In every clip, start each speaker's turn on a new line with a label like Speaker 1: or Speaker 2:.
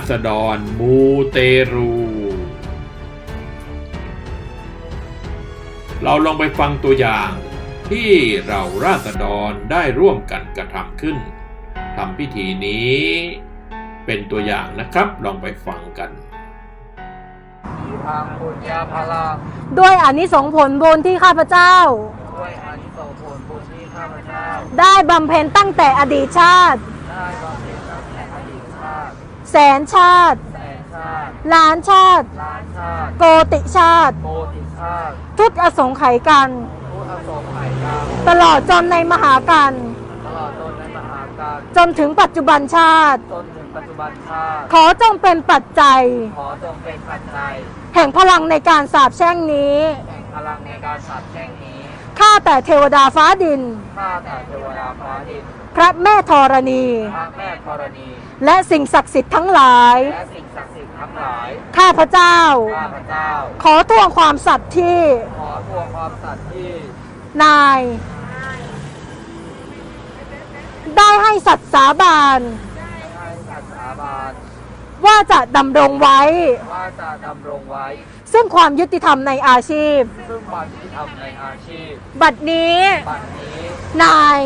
Speaker 1: ษฎรมูเตรูเราลองไปฟังตัวอย่างที่เราราษฎรได้ร่วมกันกระทำขึ้นทำพิธีนี้เป็นตัวอย่างนะครับลองไปฟังกัน
Speaker 2: ด้วยอานิสงส์ผลบุญที่ข้าพเจ้าได้บำเพ็ญตั้งแต่อดีตชาติแสนชาติล้านชาติโกติชาติทุกอสงไขยกันตลอดจนในมหากันจนถึงปัจจุบันชาติขอจงเป็นปัจจัยแห่งพลังในการสาปแช่งนี้ข้าแต่เทวดาฟ้าดินพระแม่ธรณีและสิ่งศักดิ์สิทธิ์ทั้งหลายข้าพเจ้าขอทวงความสัตย์ที่นายได้ให้สัตย์สาบานว่าจะดำรงไว้ซึ่งความยุติธรรมในอาชีพบัดนี้นาย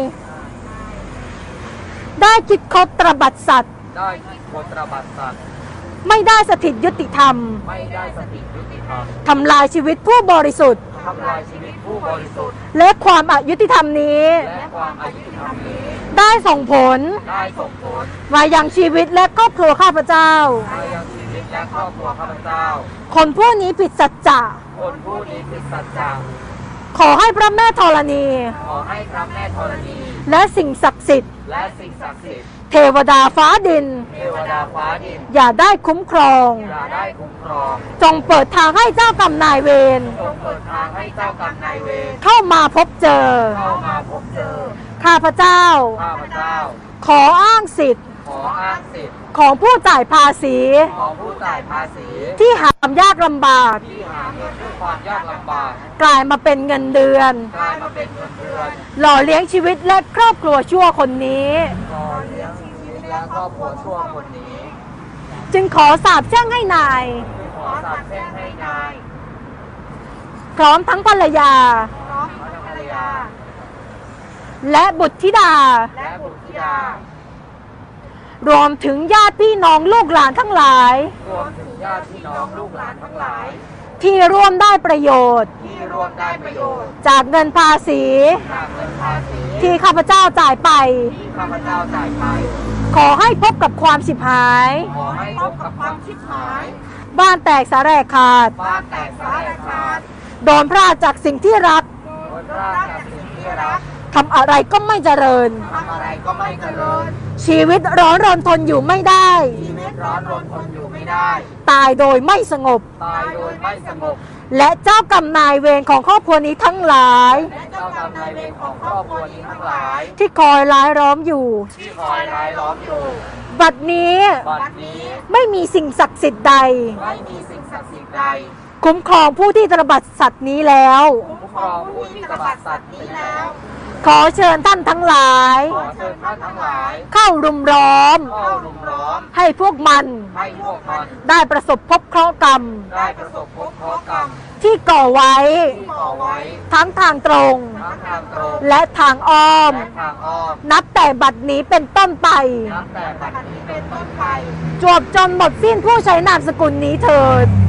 Speaker 2: ได้คิดคบตรบัดสัตว์ไม่ได้สถิตยุติธรรมทำลายชีวิตผู้บริสุทธิ์และความอยุติธรรมนี้ได้ส่งผลมายังชีวิตและครอบครัวข้าพเจ้าคนผู้นี้ผิดสัจจะขอให้พระแม่ธรณีและสิ่งศักดิ์สิทธิ์เทวดาฟ้าดินอย่าได้คุ้มครองจงเปิดทางให้เจ้ากรรมนายเวรเข้ามาพบเจอข้าพเจ้าขออ้างสิทธิ์ของผู้จ่ายภาษีที่หามยากลำบากกลายมาเป็นเงินเดือนหล่อเลี้ยงชีวิตและครอบครัวชั่วคนนี้จึงขอสาปแช่งให้นายพร้อมทั้งภรรยาและบุตรธิดารวมถึงญาติพี่น้องลูกหลานทั้งหลายที่ร่วมได้ประโยชน์จากเงินภาษีที่ข้าพเจ้าจ่ายไปขอให้พบกับความฉิบหายบ้านแตกสาแหรกขาดโดนพรากจากสิ่งที่รักทำอะไรก็ไม่เจริญชีวิตร้อนรนทนอยู่ไม่ได้ตายโดยไม่สงบและเจ้ากรรมนายเวรของครอบครัวนี้ทั้งหลายที่คอยร้ายล้อมอยู่บัดนี้ไม่มีสิ่งศักดิ์สิทธิ์ใดคุ้มครองผู้ที่ตระบัดสัตว์นี้แล้วขอเชิญท่านทั้งหลายเข้ารุมล้อมให้พวกมันได้ประสบพบเคราะห์กรรมที่ก่อไว้ทั้งทางตรงและทางอ้อมนับแต่บัดนี้เป็นต้นไปจวบจนหมดสิ้นผู้ใช้นามสกุลนี้เถิด